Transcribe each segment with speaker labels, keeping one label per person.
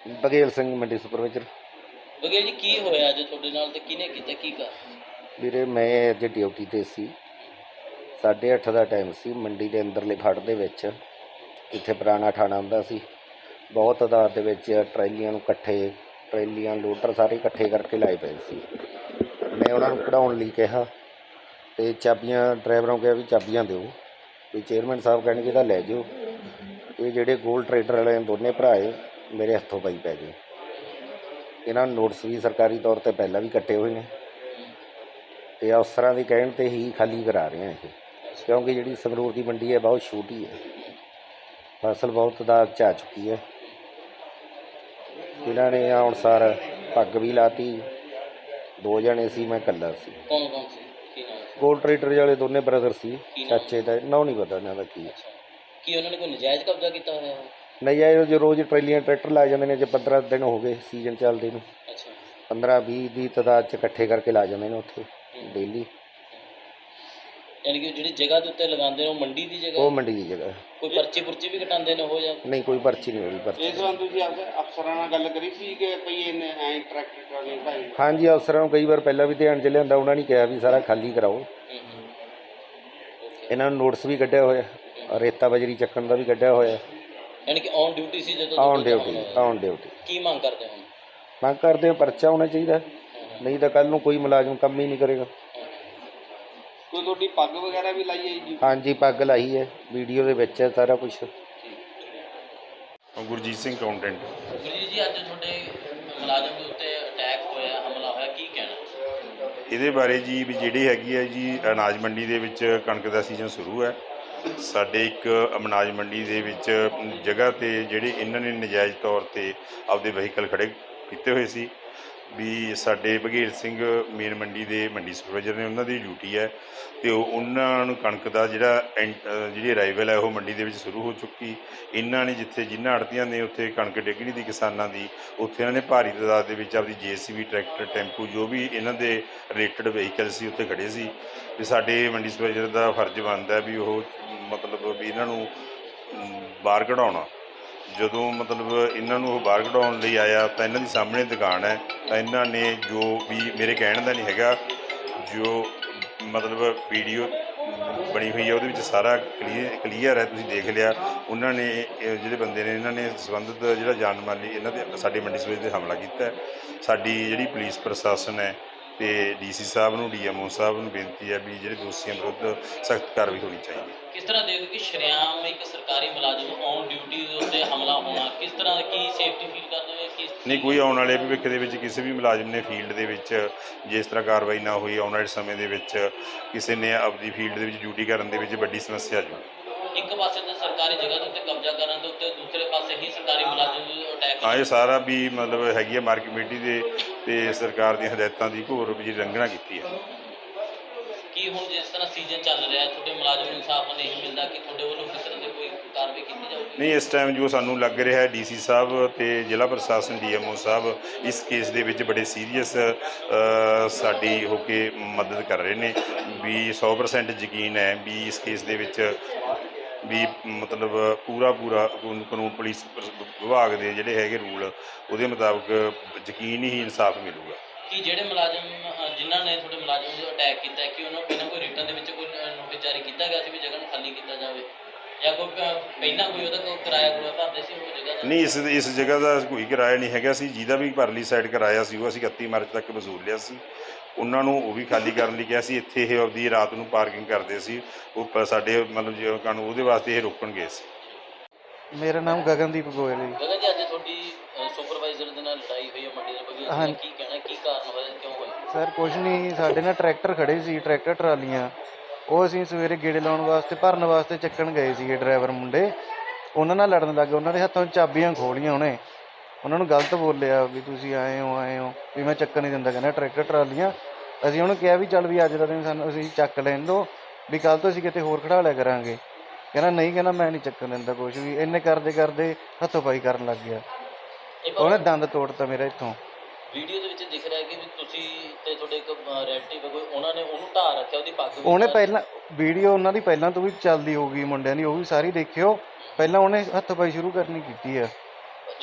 Speaker 1: ਬਘੇਲ ਸਿੰਘ ਮੰਡੀ ਸੁਪਰਵਾਈਜ਼ਰ।
Speaker 2: ਬਘੇਲ ਜੀ ਕੀ ਹੋਇਆ ਅੱਜ ਤੁਹਾਡੇ ਨਾਲ ਤੇ ਕਿਹਨੇ ਕੀਤਾ ਕੀ ਕਰ?
Speaker 1: ਵੀਰੇ ਮੈਂ ਅੱਜ ਡਿਊਟੀ 'ਤੇ ਸੀ। 8:30 ਦਾ ਟਾਈਮ ਸੀ। ਮੰਡੀ ਦੇ ਅੰਦਰਲੇ ਫੜ ਦੇ ਵਿੱਚ ਜਿੱਥੇ ਪੁਰਾਣਾ ਠਾਣਾ ਹੁੰਦਾ ਸੀ, ਬਹੁਤ ਤਾਦਾਦ ਦੇ ਵਿੱਚ ਟਰੈਲੀਆਂ ਨੂੰ ਟਰੈਲੀਆਂ ਲੋਡਰ ਸਾਰੇ ਇਕੱਠੇ ਕਰਕੇ ਲਾਏ ਪਏ ਸੀ। ਮੈਂ ਉਹਨਾਂ ਨੂੰ ਕਢਾਉਣ ਲਈ ਕਿਹਾ ਅਤੇ ਚਾਬੀਆਂ ਡਰਾਈਵਰਾਂ ਨੂੰ ਕਿਹਾ ਵੀ ਚਾਬੀਆਂ ਦਿਓ, ਵੀ ਚੇਅਰਮੈਨ ਸਾਹਿਬ ਕਹਿਣਗੇ ਤਾਂ ਲੈ ਜਾਓ। ਇਹ ਜਿਹੜੇ ਗੋਲ ਟਰੇਡਰ ਵਾਲੇ ਦੋਨੇ ਭਰਾ ਮੇਰੇ ਹੱਥੋਂ ਪਈ ਪੈ ਗਏ। ਇਹਨਾਂ ਨੂੰ ਨੋਟਿਸ ਵੀ ਸਰਕਾਰੀ ਤੌਰ 'ਤੇ ਪਹਿਲਾਂ ਵੀ ਕੱਟੇ ਹੋਏ ਨੇ ਅਤੇ ਅਫਸਰਾਂ ਦੇ ਕਹਿਣ 'ਤੇ ਹੀ ਖਾਲੀ ਕਰਾ ਰਹੇ ਹਾਂ ਇਹ, ਕਿਉਂਕਿ ਜਿਹੜੀ ਸੰਗਰੂਰ ਦੀ ਮੰਡੀ ਹੈ ਬਹੁਤ ਛੋਟੀ ਹੈ, ਫਸਲ ਬਹੁਤ ਤਾਦਾਦ 'ਚ ਆ ਚੁੱਕੀ ਹੈ। ਇਹਨਾਂ ਨੇ ਆਉਣ ਸਾਰ ਪੱਗ ਵੀ ਲਾਤੀ। 2 ਜਣੇ ਸੀ, ਮੈਂ ਇਕੱਲਾ ਸੀ।
Speaker 2: ਕੌਣ ਕੌਣ ਸੀ? ਕੀ ਨਾਮ ਸੀ?
Speaker 1: ਗੋਲ ਟਰੇਡਰ ਵਾਲੇ ਦੋਨੇ ਬ੍ਰਦਰ ਸੀ। ਚਾਚੇ ਦਾ ਨਾਂ ਨਹੀਂ ਪਤਾ ਇਹਨਾਂ ਦਾ ਕੀ ਹੈ।
Speaker 2: ਕੀ ਉਹਨਾਂ ਨੇ ਕੋਈ ਨਜਾਇਜ਼ ਕਬਜ਼ਾ ਕੀਤਾ ਹੋਇਆ?
Speaker 1: ਨਹੀਂ ਆਏ ਜੋ ਰੋਜ਼ ਟਰੈਲੀਆਂ ਟਰੈਕਟਰ ਲਾ ਜਾਂਦੇ ਨੇ। ਜੇ 15 ਦਿਨ ਹੋ ਗਏ ਸੀਜ਼ਨ ਚੱਲਦੇ ਨੂੰ, 15-20 ਦੀ ਤਾਦਾਦ 'ਚ ਇਕੱਠੇ ਕਰਕੇ ਲਾ ਜਾਂਦੇ ਨੇ ਉੱਥੇ ਡੇਲੀ।
Speaker 2: ਯਾਨੀ ਕਿ ਜਿਹੜੀ ਜਗ੍ਹਾ ਦੇ ਉੱਤੇ ਲਗਾਉਂਦੇ ਨੇ ਉਹ ਮੰਡੀ ਦੀ ਜਗ੍ਹਾ? ਉਹ
Speaker 1: ਮੰਡੀ ਦੀ ਜਗ੍ਹਾ।
Speaker 2: ਕੋਈ ਪਰਚੀ ਵੀ ਕਟਾਉਂਦੇ ਨੇ ਉਹ ਜਾਂ
Speaker 1: ਨਹੀਂ? ਕੋਈ ਪਰਚੀ ਨਹੀਂ ਹੋਈ। ਪਰਚੀ
Speaker 3: ਇਸ ਵਾਰ ਤੁਸੀਂ ਅਫਸਰਾਂ ਨਾਲ ਗੱਲ ਕਰੀ ਸੀ ਕਿ ਭਈ ਇਹਨੇ ਐਂ ਟਰੈਕਟਰ ਟਰਾਲੀ ਢਾਈ?
Speaker 1: ਹਾਂਜੀ, ਅਫਸਰਾਂ ਨੂੰ ਕਈ ਵਾਰ ਪਹਿਲਾਂ ਵੀ ਧਿਆਨ 'ਚ ਲਿਆਂਦਾ। ਉਹਨਾਂ ਨੇ ਕਿਹਾ ਵੀ ਸਾਰਾ ਖਾਲੀ ਕਰਾਓ। ਇਹਨਾਂ ਨੂੰ ਨੋਟਿਸ ਵੀ ਕੱਢਿਆ ਹੋਇਆ, ਰੇਤਾ ਬਜਰੀ ਚੱਕਣ ਦਾ ਵੀ ਕੱਢਿਆ ਹੋਇਆ।
Speaker 2: ਯਾਨੀ ਕਿ ਔਨ ਡਿਊਟੀ ਸੀ ਜਦੋਂ?
Speaker 1: On duty.
Speaker 2: ਕੀ ਮੰਗ ਕਰਦੇ ਹੋ?
Speaker 1: ਮੰਗ ਕਰਦੇ ਹਾਂ ਪਰਚਾ ਹੋਣਾ ਚਾਹੀਦਾ, ਨਹੀਂ ਤਾਂ ਕੱਲ੍ਹ ਨੂੰ ਕੋਈ ਮੁਲਾਜ਼ਮ ਕੰਮ ਹੀ ਨਹੀਂ ਕਰੇਗਾ।
Speaker 3: ਕੋਈ ਤੁਹਾਡੀ ਪੱਗ ਵਗੈਰਾ ਵੀ ਲਾਈ ਹੈ ਜੀ?
Speaker 1: ਹਾਂਜੀ, ਪੱਗ ਲਾਈ ਹੈ, ਵੀਡੀਓ ਦੇ ਵਿੱਚ ਹੈ ਸਾਰਾ ਕੁਛ।
Speaker 4: ਗੁਰਜੀਤ ਸਿੰਘ ਅਕਾਊਂਟੈਂਟ।
Speaker 2: ਗੁਰਜੀਤ ਜੀ, ਅੱਜ ਤੁਹਾਡੇ ਮੁਲਾਜ਼ਮ ਦੇ ਉੱਤੇ ਅਟੈਕ ਹੋਇਆ, ਹਮਲਾ ਹੋਇਆ, ਕੀ ਕਹਿਣਾ?
Speaker 4: ਇਹਦੇ ਬਾਰੇ ਜੀ ਵੀ ਜਿਹੜੀ ਹੈਗੀ ਹੈ ਜੀ, ਅਨਾਜ ਮੰਡੀ ਦੇ ਵਿੱਚ ਕਣਕ ਦਾ ਸੀਜ਼ਨ ਸ਼ੁਰੂ ਹੈ। ਸਾਡੇ ਇੱਕ ਅਨਾਜ ਮੰਡੀ ਦੇ ਵਿੱਚ ਜਗ੍ਹਾ 'ਤੇ ਜਿਹੜੇ ਇਹਨਾਂ ਨੇ ਨਜਾਇਜ਼ ਤੌਰ 'ਤੇ ਆਪਦੇ ਵਹੀਕਲ ਖੜ੍ਹੇ ਕੀਤੇ ਹੋਏ ਸੀ। ਵੀ ਸਾਡੇ ਬਘੇਲ ਸਿੰਘ ਮੇਨ ਮੰਡੀ ਦੇ ਮੰਡੀ ਸੁਪਰਵਾਈਜ਼ਰ ਨੇ, ਉਹਨਾਂ ਦੀ ਡਿਊਟੀ ਹੈ ਅਤੇ ਉਹਨਾਂ ਨੂੰ ਕਣਕ ਦਾ ਜਿਹੜੀ ਅਰਾਈਵਲ ਹੈ ਉਹ ਮੰਡੀ ਦੇ ਵਿੱਚ ਸ਼ੁਰੂ ਹੋ ਚੁੱਕੀ। ਇਹਨਾਂ ਨੇ ਜਿਨ੍ਹਾਂ ਆੜ੍ਹਤੀਆਂ ਨੇ ਉੱਥੇ ਕਣਕ ਡਿੱਗਣੀ ਦੀ ਕਿਸਾਨਾਂ ਦੀ, ਉੱਥੇ ਇਹਨਾਂ ਨੇ ਭਾਰੀ ਤਾਦਾਦ ਦੇ ਵਿੱਚ ਆਪਦੀ JCB ਟਰੈਕਟਰ ਟੈਂਪੂ ਜੋ ਵੀ ਇਹਨਾਂ ਦੇ ਰਿਲੇਟਡ ਵਹੀਕਲ ਸੀ ਉੱਥੇ ਖੜ੍ਹੇ ਸੀ। ਵੀ ਸਾਡੇ ਮੰਡੀ ਸੁਪਰਵਾਈਜ਼ਰ ਦਾ ਫਰਜ਼ ਬਣਦਾ ਵੀ ਉਹ ਮਤਲਬ ਵੀ ਇਹਨਾਂ ਨੂੰ ਬਾਹਰ ਕਢਾਉਣਾ। ਜਦੋਂ ਮਤਲਬ ਇਹਨਾਂ ਨੂੰ ਉਹ ਬਾਹਰ ਕਢਾਉਣ ਲਈ ਆਇਆ ਤਾਂ ਇਹਨਾਂ ਦੀ ਸਾਹਮਣੇ ਦੁਕਾਨ ਹੈ, ਤਾਂ ਇਹਨਾਂ ਨੇ ਜੋ ਵੀ ਮੇਰੇ ਕਹਿਣ ਦਾ ਨਹੀਂ ਹੈਗਾ, ਜੋ ਮਤਲਬ ਵੀਡੀਓ ਬਣੀ ਹੋਈ ਹੈ ਉਹਦੇ ਵਿੱਚ ਸਾਰਾ ਕਲੀਅਰ ਹੈ, ਤੁਸੀਂ ਦੇਖ ਲਿਆ। ਉਹਨਾਂ ਨੇ ਜਿਹੜੇ ਬੰਦੇ ਨੇ ਇਹਨਾਂ ਨੇ ਸੰਬੰਧਿਤ ਜਿਹੜਾ ਜਾਨ ਮਾਲੀ ਇਹਨਾਂ ਦੇ ਸਾਡੇ ਮੰਡੀ ਸੁਪਰਵਾਈਜ਼ਰ 'ਤੇ ਹਮਲਾ ਕੀਤਾ। ਸਾਡੀ ਜਿਹੜੀ ਪੁਲਿਸ ਪ੍ਰਸ਼ਾਸਨ ਹੈ ਅਤੇ DC ਸਾਹਿਬ ਨੂੰ, DMO ਸਾਹਿਬ ਨੂੰ ਬੇਨਤੀ ਹੈ ਵੀ ਜਿਹੜੇ ਦੋਸ਼ੀਆਂ ਵਿਰੁੱਧ ਸਖਤ ਕਾਰਵਾਈ ਹੋਣੀ ਚਾਹੀਦੀ।
Speaker 2: ਕਿਸ ਤਰ੍ਹਾਂ ਦੇਖੋ ਕਿ ਸ਼ਰੇਆਮ ਇੱਕ ਸਰਕਾਰੀ ਮੁਲਾਜ਼ਮ ਔਨ ਡਿਊਟੀ ਦੇ ਉੱਤੇ ਹਮਲਾ ਹੋਣਾ, ਕਿਸ ਤਰ੍ਹਾਂ ਕੀ ਸੇਫਟੀ ਫੀਲ ਕਰਦੇ ਹੋ?
Speaker 4: ਨਹੀਂ, ਕੋਈ ਆਉਣ ਵਾਲੇ ਭਵਿੱਖ ਦੇ ਵਿੱਚ ਕਿਸੇ ਵੀ ਮੁਲਾਜ਼ਮ ਨੇ ਫੀਲਡ ਦੇ ਵਿੱਚ ਜੇ ਇਸ ਤਰ੍ਹਾਂ ਕਾਰਵਾਈ ਨਾ ਹੋਈ, ਆਉਣ ਵਾਲੇ ਸਮੇਂ ਦੇ ਵਿੱਚ ਕਿਸੇ ਨੇ ਆਪਦੀ ਫੀਲਡ ਦੇ ਵਿੱਚ ਡਿਊਟੀ ਕਰਨ ਦੇ ਵਿੱਚ ਵੱਡੀ ਸਮੱਸਿਆ ਜੂ।
Speaker 2: ਇੱਕ ਪਾਸੇ ਤਾਂ ਸਰਕਾਰੀ ਜਗ੍ਹਾ ਦੇ ਉੱਤੇ ਕਬਜ਼ਾ ਕਰਨ ਦੇ ਉੱਤੇ, ਦੂਸਰੇ ਪਾਸੇ ਹੀ ਸਰਕਾਰੀ ਮੁਲਾਜ਼ਮ ਅਟੈਕ।
Speaker 4: ਹਾਂ, ਇਹ ਸਾਰਾ ਵੀ ਮਤਲਬ ਹੈਗੀ ਹੈ ਮਾਰਕੀਟ ਕਮੇਟੀ ਦੇ ਅਤੇ ਸਰਕਾਰ ਦੀਆਂ ਹਦਾਇਤਾਂ ਦੀ ਘੋਰ ਜਿਹੜੀ ਉਲੰਘਣਾ ਕੀਤੀ ਹੈ।
Speaker 2: ਕੀ ਹੁਣ ਜਿਸ ਤਰ੍ਹਾਂ ਸੀਜ਼ਨ ਚੱਲ ਰਿਹਾ, ਤੁਹਾਡੇ ਮੁਲਾਜ਼ਮ ਨੂੰ ਇਨਸਾਫ ਨਹੀਂ ਮਿਲਦਾ ਕਿ ਤੁਹਾਡੇ ਵੱਲੋਂ ਕਿਸ ਤਰ੍ਹਾਂ ਦੀ ਕੋਈ ਕਾਰਵਾਈ ਕੀਤੀ ਜਾਊਗੀ?
Speaker 4: ਨਹੀਂ, ਇਸ ਟਾਈਮ ਜੋ ਸਾਨੂੰ ਲੱਗ ਰਿਹਾ ਹੈ DC ਸਾਹਿਬ ਅਤੇ ਜ਼ਿਲ੍ਹਾ ਪ੍ਰਸ਼ਾਸਨ DMO ਸਾਹਿਬ ਇਸ ਕੇਸ ਦੇ ਵਿੱਚ ਬੜੇ ਸੀਰੀਅਸ ਸਾਡੀ ਹੋ ਕੇ ਮਦਦ ਕਰ ਰਹੇ ਨੇ। ਵੀ 100% ਯਕੀਨ ਹੈ ਵੀ ਇਸ ਕੇਸ ਦੇ ਵਿੱਚ ਵੀ ਮਤਲਬ ਪੂਰਾ ਕਾਨੂੰਨ ਪੁਲਿਸ ਵਿਭਾਗ ਦੇ ਜਿਹੜੇ ਹੈਗੇ ਰੂਲ ਉਹਦੇ ਮੁਤਾਬਕ ਯਕੀਨ ਹੀ ਇਨਸਾਫ ਮਿਲੂਗਾ।
Speaker 2: ਕਿ ਜਿਹੜੇ ਮੁਲਾਜ਼ਮ ਜਿਨ੍ਹਾਂ ਨੇ ਤੁਹਾਡੇ ਮੁਲਾਜ਼ਮ ਨੂੰ ਅਟੈਕ ਕੀਤਾ, ਕਿ ਉਹਨਾਂ ਨੂੰ ਪਹਿਲਾਂ ਕੋਈ ਰਿਟਰਨ ਦੇ ਵਿੱਚ ਕੋਈ ਨੋਟਿਸ ਜਾਰੀ ਕੀਤਾ ਗਿਆ ਸੀ ਵੀ ਜਗ੍ਹਾ ਨੂੰ ਖਾਲੀ ਕੀਤਾ ਜਾਵੇ, ਜਾਂ ਕੋਈ ਪਹਿਲਾਂ ਕੋਈ ਉਹਦਾ ਕੋਈ ਕਿਰਾਇਆ ਭਰਦੇ ਸੀ ਉਹ ਜਗ੍ਹਾ ਦਾ?
Speaker 4: ਨਹੀਂ, ਇਸ ਜਗ੍ਹਾ ਦਾ ਕੋਈ ਕਿਰਾਇਆ ਨਹੀਂ ਹੈਗਾ ਸੀ। ਜਿਹਦਾ ਵੀ ਪਰਲੀ ਸਾਈਡ ਕਿਰਾਇਆ ਸੀ ਉਹ ਅਸੀਂ 31 ਮਾਰਚ ਤੱਕ ਵਸੂਲ ਲਿਆ ਸੀ। ਉਹਨਾਂ ਨੂੰ ਉਹ ਵੀ ਖਾਲੀ ਕਰਨ ਲਈ ਕਿਹਾ ਸੀ। ਇੱਥੇ ਇਹ ਆਪਦੀ ਰਾਤ ਨੂੰ ਪਾਰਕਿੰਗ ਕਰਦੇ ਸੀ, ਉਹ ਸਾਡੇ ਮਤਲਬ ਜੇ ਕਾਨੂੰਨ ਉਹਦੇ ਵਾਸਤੇ ਇਹ ਰੋਕਣ ਗਏ ਸੀ।
Speaker 5: ਮੇਰਾ ਨਾਮ ਗਗਨਦੀਪ ਗੋਇਲ ਹੈ।
Speaker 2: ਗਗਨ ਜੀ, ਅੱਜ ਤੁਹਾਡੀ ਸੁਪਰਵਾਈਜ਼ਰ ਦੇ ਨਾਲ ਲੜਾਈ ਹੋਈ ਹੈ ਮੰਡੀ ਦੇ ਬਗੀਚੇ, ਕੀ ਕਹਿਣਾ, ਕੀ ਕਾਰਨ ਹੋਇਆ, ਕਿਉਂ ਹੋਇਆ?
Speaker 5: ਸਰ ਕੁਛ ਨਹੀਂ, ਸਾਡੇ ਨਾਲ ਟਰੈਕਟਰ ਖੜ੍ਹੇ ਸੀ, ਟਰੈਕਟਰ ਟਰਾਲੀਆਂ, ਉਹ ਅਸੀਂ ਸਵੇਰੇ ਗੇੜੇ ਲਾਉਣ ਵਾਸਤੇ ਭਰਨ ਵਾਸਤੇ ਚੱਕਣ ਗਏ ਸੀਗੇ। ਡਰਾਈਵਰ ਮੁੰਡੇ ਉਹਨਾਂ ਨਾਲ ਲੜਨ ਲੱਗੇ, ਉਹਨਾਂ ਦੇ ਹੱਥੋਂ ਚਾਬੀਆਂ ਖੋਲੀਆਂ। ਉਹਨੇ ਉਹਨਾਂ ਨੂੰ ਗਲਤ ਬੋਲਿਆ ਵੀ ਤੁਸੀਂ ਆਏ ਹੋ ਵੀ ਮੈਂ ਚੱਕਣ ਨਹੀਂ ਦਿੰਦਾ, ਕਹਿੰਦਾ ਟਰੈਕਟਰ ਟਰਾਲੀਆਂ। ਅਸੀਂ ਉਹਨੂੰ ਕਿਹਾ ਵੀ ਚੱਲ ਵੀ ਅੱਜ ਦਾ ਦਿਨ ਸਾਨੂੰ ਅਸੀਂ ਚੱਕ ਲੈਣ ਦਿਓ, ਵੀ ਕੱਲ੍ਹ ਤੋਂ ਅਸੀਂ ਕਿਤੇ ਹੋਰ ਖੜ੍ਹਾ ਲਿਆ ਕਰਾਂਗੇ। ਕਹਿੰਦਾ ਨਹੀਂ, ਕਹਿੰਦਾ ਮੈਂ ਨਹੀਂ ਚੱਕਣ ਦਿੰਦਾ ਕੁਛ ਵੀ। ਇੰਨੇ ਕਰਦੇ ਹੱਥੋਂ ਪਾਈ ਕਰਨ ਲੱਗ ਗਿਆ। ਉਹਨੇ ਦੰਦ ਤੋੜਤਾ ਮੇਰਾ ਇੱਥੋਂ।
Speaker 2: ਵੀਡੀਓ ਦੇ ਵਿੱਚ ਦਿਖ ਰਿਹਾ ਕਿ ਤੁਸੀਂ ਤੇ ਤੁਹਾਡੇ ਇੱਕ ਰਿਲੇਟਿਵ ਕੋਈ, ਉਹਨਾਂ ਨੇ ਉਹਨੂੰ ਢਾਹ ਰੱਖਿਆ, ਉਹਦੀ ਪੱਗ।
Speaker 5: ਉਹਨੇ ਪਹਿਲਾਂ ਵੀਡੀਓ ਉਹਨਾਂ ਦੀ ਪਹਿਲਾਂ ਤੋਂ ਵੀ ਚੱਲਦੀ ਹੋਊਗੀ ਮੁੰਡਿਆਂ ਦੀ, ਉਹ ਵੀ ਸਾਰੀ ਦੇਖਿਓ। ਪਹਿਲਾਂ ਉਹਨੇ ਹੱਥ ਪਾਈ ਸ਼ੁਰੂ ਕਰਨੀ ਕੀਤੀ ਆ।
Speaker 2: ਜਿਹੜੇ ਤੁਹਾਡੇ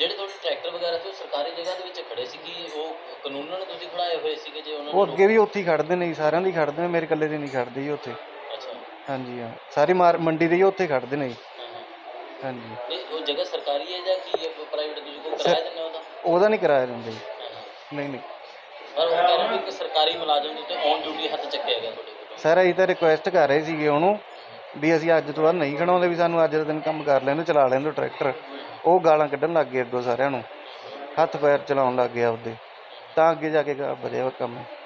Speaker 2: ਟਰੈਕਟਰ ਵਗੈਰਾ ਤੇ ਉਹ ਸਰਕਾਰੀ ਜਗ੍ਹਾ ਦੇ ਵਿੱਚ ਖੜੇ ਸੀ ਕਿ ਉਹ ਕਾਨੂੰਨਾਂ ਨੂੰ ਤੁਸੀਂ ਖੜਾਏ ਹੋਏ ਸੀਗੇ ਜੇ ਉਹਨਾਂ
Speaker 5: ਉਹ
Speaker 2: ਨੂੰ
Speaker 5: ਅੱਗੇ ਵੀ ਉੱਥੇ ਹੀ ਖੜਦੇ ਨੇ ਜੀ, ਸਾਰਿਆਂ ਦੀ ਖੜਦੇ ਨੇ, ਮੇਰੇ ਇਕੱਲੇ ਦੇ ਨਹੀਂ ਖੜਦੇ ਜੀ ਉੱਥੇ।
Speaker 2: ਅੱਛਾ
Speaker 5: ਹਾਂਜੀ ਹਾਂ, ਸਾਰੀ ਮੰਡੀ ਦੇ ਹੀ ਉੱਥੇ ਖੜਦੇ ਨੇ ਜੀ।
Speaker 2: ਹਾਂ ਹਾਂ
Speaker 5: ਹਾਂਜੀ,
Speaker 2: ਨਹੀਂ ਉਹ ਜਗ੍ਹਾ ਸਰਕਾਰੀ ਹੈ ਜਾਂ ਕੀ ਹੈ ਪ੍ਰਾਈਵੇਟ ਤੁਸੀਂ ਕੋਈ ਕਿਰਾਇਆ ਦਿੰਦੇ ਹੋ ਉਹਦਾ?
Speaker 5: ਉਹਦਾ ਨਹੀਂ ਕਿਰਾਇਆ ਦਿੰਦੇ ਜੀ।
Speaker 2: ਹਾਂ ਹਾਂ
Speaker 5: ਨਹੀਂ ਨਹੀਂ
Speaker 2: ਪਰ ਉਹ ਕਹਿ ਰਹੇ ਨੇ ਕਿ ਸਰਕਾਰੀ ਮੁਲਾਜ਼ਮ ਦੇ ਉੱਤੇ ਔਨ ਡਿਊਟੀ ਹੱਥ ਚੱਕਿਆ ਗਿਆ ਤੁਹਾਡੇ ਕੋਲ।
Speaker 5: ਸਰ ਅਸੀਂ ਤਾਂ ਰਿਕੁਐਸਟ ਕਰ ਰਹੇ ਸੀਗੇ ਉਹਨੂੰ ਵੀ ਅਸੀਂ ਅੱਜ ਤੋਂ ਬਾਅਦ ਨਹੀਂ ਖੜਾਉਂਦੇ, ਵੀ ਸਾਨੂੰ ਅੱਜ ਦਾ ਦਿਨ ਕੰਮ ਕਰ ਲੈਣ ਦਿਓ, ਚਲਾ ਲੈਣ ਦਿਓ ਟਰੈਕਟਰ। ਉਹ ਗਾਲਾਂ ਕੱਢਣ ਲੱਗ ਗਏ ਅੱਗੋਂ ਸਾਰਿਆਂ ਨੂੰ, ਹੱਥ ਪੈਰ ਚਲਾਉਣ ਲੱਗ ਗਏ ਆਪਦੇ, ਤਾਂ ਅੱਗੇ ਜਾ ਕੇ ਵਧਿਆ ਕੰਮ।